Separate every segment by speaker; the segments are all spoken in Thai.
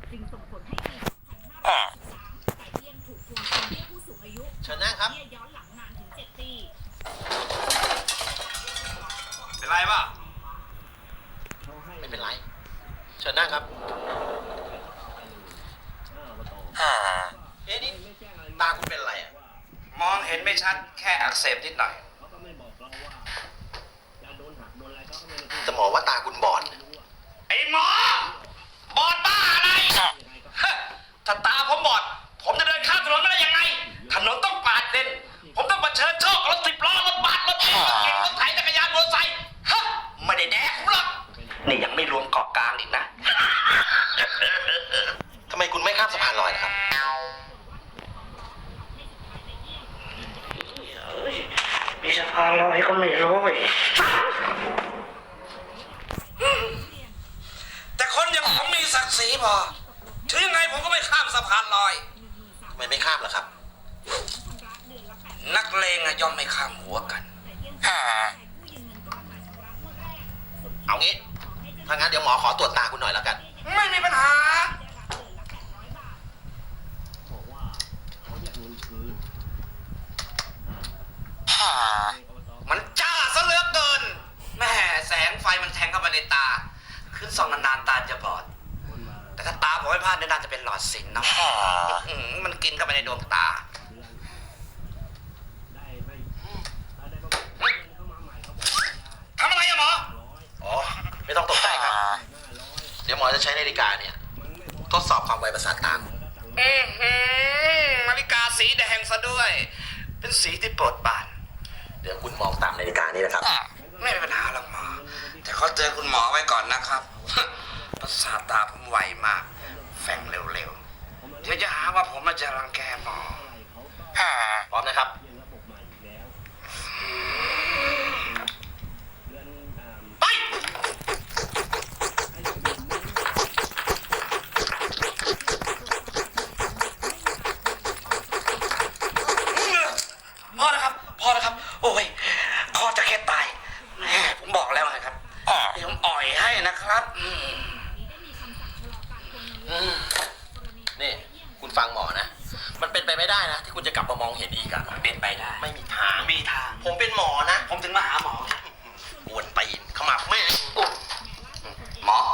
Speaker 1: จึงส่งผลให้ปี2563ไก่เลี้ยงถูกทวงคืนเบี้ยผู้สูงอายุ
Speaker 2: เชิญนั่งครับ
Speaker 1: เบี้ยย้อนหลังนานถึง7 ปี
Speaker 2: เป็นไรป่ะไม่เป็นไรเชิญนั่งครับเอ๊ะนี่ตาคุณเป็นอะไรอ่ะ
Speaker 3: มองเห็นไม่ชัดแค่อักเสบนิดหน่อย
Speaker 2: แต่หมอว่าตาคุณบอด
Speaker 3: ไอ้หมอบอดบ้าอะไรถ้าตาผมบอดผมจะเดินข้ามถนนไม่ได้ยังไงถนนต้องปาดเลนผมต้องเผชิญโชครถ10 ล้อรถบัสรถเก๋งรถไถจักรยานมอเตอร์ไซค์ไม่ได้แดกหรอกนี่ยังไม่รวมเกาะกลางอีกนะ
Speaker 2: ทำไมคุณไม่ข้ามสะพานลอยนะครับ
Speaker 3: มีสะพานลอยก็ไม่รู้แต่คนอย่างผมมีศักดิ์ศรีพอถึงยังไงผมก็ไม่ข้ามสะพานลอย
Speaker 2: ทำไมไม่ข้ามล่ะครับ
Speaker 3: นักเลงย่อมไม่ข้ามหัวกัน
Speaker 2: เอางี้ถ้างั้นเดี๋ยวหมอขอตรวจตาคุณหน่อยแล้วกัน
Speaker 3: ไม่มีปัญหามันจ้าซะเหลือเกินแม่แสงไฟมันแทงเข้าไปในตาขึ้นส่องนานๆตาจะบอดแต่ถ้าตาผมไม่พลาดน่าจะเป็นหลอดสินนะมันกินเข้าไปในดวงตาทำอะไรอะหมอ
Speaker 2: อ๋อไม่ต้องตกใจครับเดี๋ยวหมอจะใช้นาฬิกาเนี่ยทดสอบความไวประสาทตา
Speaker 3: นาฬิกาสีแดงซะด้วยเป็นสีที่โปรดปราน
Speaker 2: เดี๋ยวคุณมองตามนาฬิกานี่นะครับ
Speaker 3: ไม่มีปัญหาหรอกหมอแต่ขอเตือนคุณหมอไว้ก่อนนะครับประสาทตาผมไวมากแฝงเร็วๆเดี๋ยวจะหาว่าผมมาจะรังแกหมอ
Speaker 2: พร้อมนะครับ
Speaker 3: ไปพอแล้วครับโอ้ยคอจะแค่ตายผมบอกแล้วไงครับเดี๋ยวผมอ่อยให้นะครับ
Speaker 2: นี่คุณฟังหมอนะมันเป็นไปไม่ได้นะที่คุณจะกลับมามองเห็นอีกอะ
Speaker 3: เป็นไปได้
Speaker 2: ไม่มีทางผมเป็นหมอนะ
Speaker 3: ผมถึงมาหาหมอ
Speaker 2: ปวนตีนขมับแม่
Speaker 3: หมอ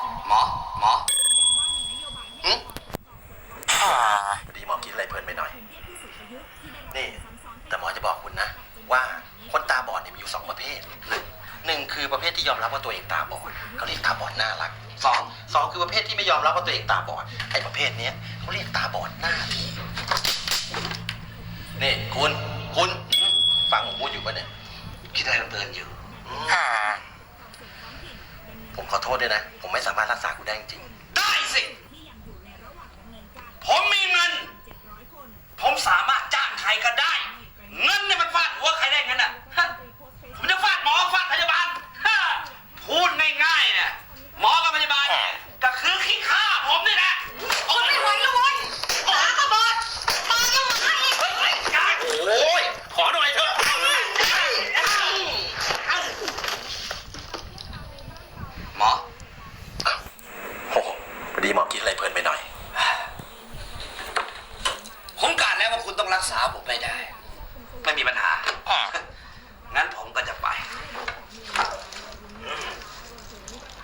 Speaker 2: พอดีหมอคิดอะไรเพลินไปหน่อยนี่แต่หมอจะบอกคุณนะว่าคนตาบอดเนี่ยมีอยู่2 ประเภทหนึ่งคือประเภทที่ยอมรับว่าตัวเองตาบอดเขาเรียกตาบอดน่ารักสองคือประเภทที่ไม่ยอมรับว่าตัวเองตาบอดไอ้ประเภทนี้เขาเรียกตาบอดหน้าที่นี่คุณฟังผมพูดอยู่ปะเนี่ย
Speaker 3: คิดอะไรเดินอยู่
Speaker 2: ผมขอโทษด้วยนะผมไม่สามารถรักษาคุณได้จริง
Speaker 3: ได้สิผมมีเงินผมสามารถจ้างใครก็ได้เงินเนี่ยมันฟาดหัวใครได้เงินอ่ะผมจะฟาดหมอฟาดพยาบาลพูดง่ายๆเนี่ยหมอกับพยาบาลเนี่ยก็คือขี้ข้าผมนี่แหละ
Speaker 1: โอ้ยไม่ไหวแล้วเว้ยตาก็บอดตายังไง
Speaker 2: โอ้ยขอหน่อยเถอะ
Speaker 3: หมอ
Speaker 2: โอ้พอดีหมอคิดอะไรเพลินไปหน่อย
Speaker 3: ผมกะแล้วว่าคุณต้องรักษาผมไม่ได้ไม่มีปัญหา